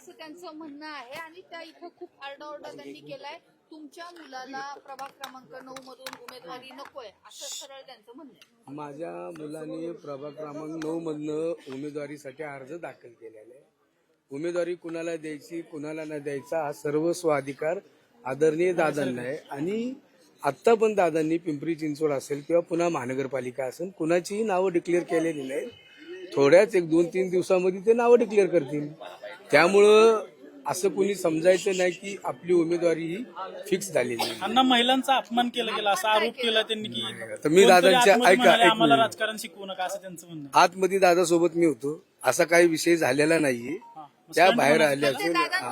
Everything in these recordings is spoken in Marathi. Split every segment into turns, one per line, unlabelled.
असं त्यांचं म्हणणं आहे आणि त्या इथं खूप आरडाओरडा त्यांनी केलाय. तुमच्या मुलाला प्रभाग क्रमांक 9 मधून उमेदवारी नकोय असं सरळ त्यांचं म्हणणं आहे.
माझ्या मुलाने प्रभाग क्रमांक 9 मधनं उमेदवारीसाठी अर्ज दाखल केलेला आहे. उमेदवारी कुणाला द्यायची कुणाला न द्यायचा हा सर्व स्वाधिकार आदरणीय दादांना आहे आणि आत्ता पण दादांनी पिंपरी चिंचवड असेल किंवा पुन्हा महानगरपालिका असेल कुणाचीही नावं डिक्लेअर केलेली नाही. थोड्याच 1-2-3 दिवसामध्ये ते नावं डिक्लेअर करतील. त्यामुळं असं कोणी समजायचं नाही की आपली उमेदवारी ही फिक्स झालेली आहे.
अण्णा महिलांचा अपमान केला गेला असा आरोप केला त्यांनी की
तर मी दादांच्या
आम्हाला राजकारण शिकवू नका असं त्यांचं म्हणणं.
आतमध्ये दादासोबत मी होतो असा काही विषय झालेला नाहीये. त्या बाहेर आल्या असेल.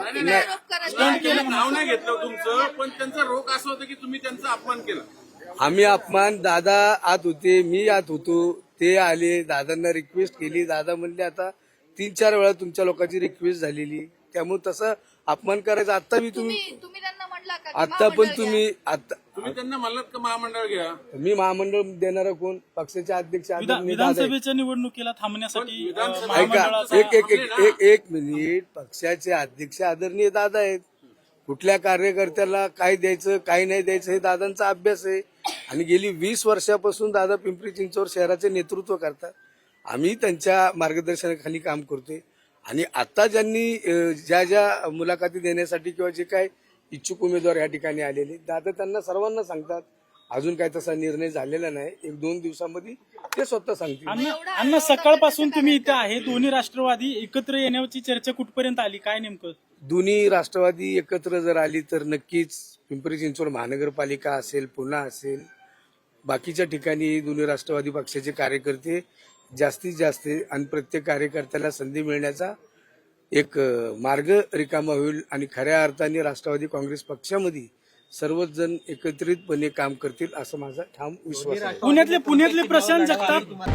नाव नाही घेतलं तुमचं पण त्यांचा रोग असं होतं की तुम्ही त्यांचा अपमान केला.
आम्ही अपमान दादा आत होते मी आत होतो ते आले दादांना रिक्वेस्ट केली. दादा म्हणले आता 3-4 वेळा तुमच्या लोकांची रिक्वेस्ट झालेली त्यामुळे तसं अपमान करायचा. आता मी तुम्ही
त्यांना म्हणला का
आता पण तुम्ही आता
तुम्ही त्यांना म्हणलात का महामंडळ घ्या.
मी महामंडळ देणारा कोण पक्षाचे अध्यक्ष
विधानसभेच्या निवडणुकीला थांबण्यासाठी
ऐका एक मिनिट पक्षाचे अध्यक्ष आदरणीय दादा आहेत. कुठल्या कार्यकर्त्याला काय द्यायचं काय नाही द्यायचं हे दादांचा अभ्यास आहे आणि गेली 20 वर्षापासून दादा पिंपरी चिंचवड शहराचे नेतृत्व करतात. आम्ही त्यांच्या मार्गदर्शनाखाली काम करतोय आणि आता ज्यांनी ज्या मुलाखती देण्यासाठी किंवा जे काय इच्छुक उमेदवार या ठिकाणी आलेले दादा त्यांना सर्वांना सांगतात. अजून काय तसा निर्णय झालेला नाही. 1-2 दिवसामध्ये ते स्वतः सांगतील.
अण्णा सकाळपासून तुम्ही इथे आहे. दोन्ही राष्ट्रवादी एकत्र येण्याची चर्चा कुठपर्यंत आली काय नेमकं?
दोन्ही राष्ट्रवादी एकत्र जर आली तर नक्कीच पिंपरी चिंचवड महानगरपालिका असेल पुन्हा असेल बाकीच्या ठिकाणी दोन्ही राष्ट्रवादी पक्षाचे कार्यकर्ते जास्तीत जास्त आणि प्रत्येक कार्यकर्त्याला संधी मिळण्याचा एक मार्ग रिकामा होईल आणि खऱ्या अर्थाने राष्ट्रवादी काँग्रेस पक्षामध्ये सर्वच जण एकत्रितपणे काम करतील असं माझा ठाम विश्वास आहे.
पुण्यातले प्रशांत जगताप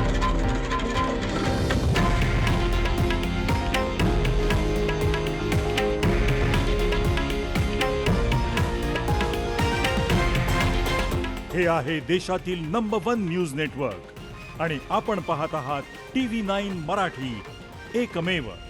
हे आहे देशातील नंबर 1 न्यूज नेटवर्क आणि आपण पाहत आहात TV9 मराठी, एकमेव.